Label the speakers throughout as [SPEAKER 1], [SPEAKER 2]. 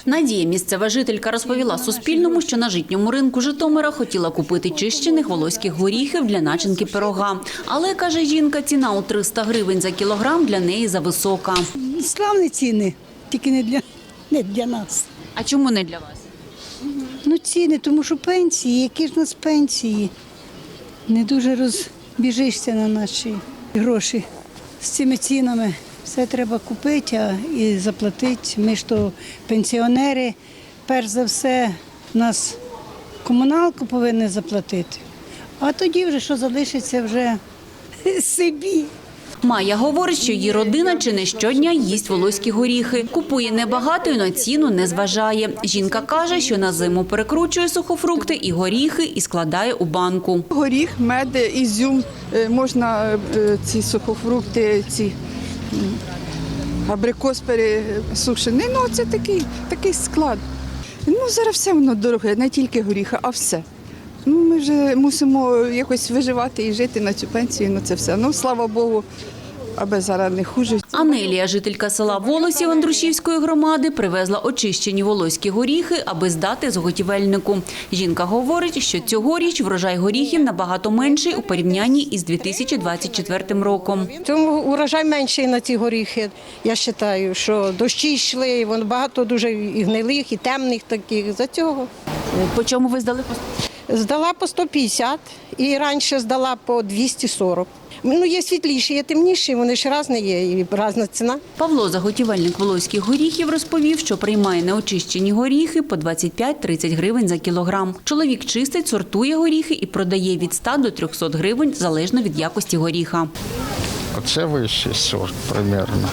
[SPEAKER 1] Надія, місцева жителька, розповіла Суспільному, що на житньому ринку Житомира хотіла купити чищених волоських горіхів для начинки пирога. Але, каже жінка, ціна у 300 гривень за кілограм для неї зависока.
[SPEAKER 2] Славні ціни, тільки не для нас.
[SPEAKER 1] А чому не для вас?
[SPEAKER 2] Ну ціни, тому що пенсії, які ж у нас пенсії. Не дуже розбіжишся на наші гроші з цими цінами. Все треба купити і заплатити. Ми ж то пенсіонери, перш за все, нас комуналку повинні заплатити. А тоді вже, що залишиться, вже собі.
[SPEAKER 1] Майя говорить, що її родина чи не щодня їсть волоські горіхи. Купує небагато і на ціну не зважає. Жінка каже, що на зиму перекручує сухофрукти і горіхи і складає у банку.
[SPEAKER 3] Горіх, мед, ізюм, можна ці сухофрукти, ці абрикос пересушений. Ну, це такий склад. Ну, зараз все воно дороге, не тільки горіхи, а все. Ну, ми вже мусимо якось виживати і жити на цю пенсію, ну це все. Ну, слава Богу, аби зараз не хуже.
[SPEAKER 1] Анелія, жителька села Волосів Андрушівської громади, привезла очищені волоські горіхи, аби здати заготівельнику. Жінка говорить, що цьогоріч врожай горіхів набагато менший у порівнянні із 2024 роком.
[SPEAKER 4] Тому урожай менший на ці горіхи. Я вважаю, що дощі йшли, воно багато дуже і гнилих, і темних таких. За цього.
[SPEAKER 1] По чому ви здали?
[SPEAKER 4] Здала по 150 і раніше здала по 240. Ну, є світліші, є темніші, вони ж різні є, і різна ціна.
[SPEAKER 1] Павло, заготівельник волоських горіхів, розповів, що приймає неочищені горіхи по 25-30 гривень за кілограм. Чоловік чистить, сортує горіхи і продає від 100 до 300 гривень, залежно від якості горіха.
[SPEAKER 5] Оце вищий сорт, примерно.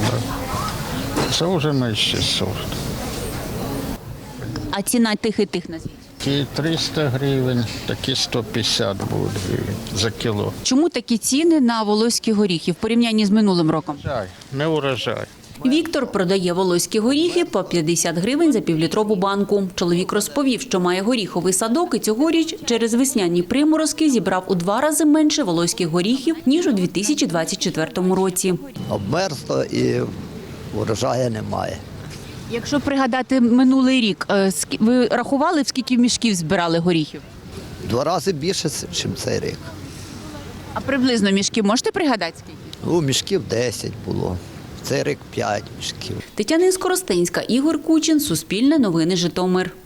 [SPEAKER 5] Це вже нижчий сорт.
[SPEAKER 1] А ціна тих і тих назвіть?
[SPEAKER 5] Такі 300 гривень, такі 150 будуть гривень за кіло.
[SPEAKER 1] Чому такі ціни на волоські горіхи в порівнянні з минулим роком?
[SPEAKER 5] Не урожай.
[SPEAKER 1] Віктор продає волоські горіхи по 50 гривень за півлітрову банку. Чоловік розповів, що має горіховий садок і цьогоріч через весняні приморозки зібрав у 2 рази менше волоських горіхів, ніж у 2024 році.
[SPEAKER 6] Обмерзло і урожаю немає.
[SPEAKER 1] Якщо пригадати минулий рік, ви рахували, в скільки мішків збирали горіхів?
[SPEAKER 6] 2 рази більше, ніж цей рік.
[SPEAKER 1] А приблизно мішків можете пригадати скільки?
[SPEAKER 6] Ну, мішків 10 було. Цей рік 5 мішків.
[SPEAKER 1] Тетяна Скоростенська, Ігор Кучин, Суспільне новини Житомир.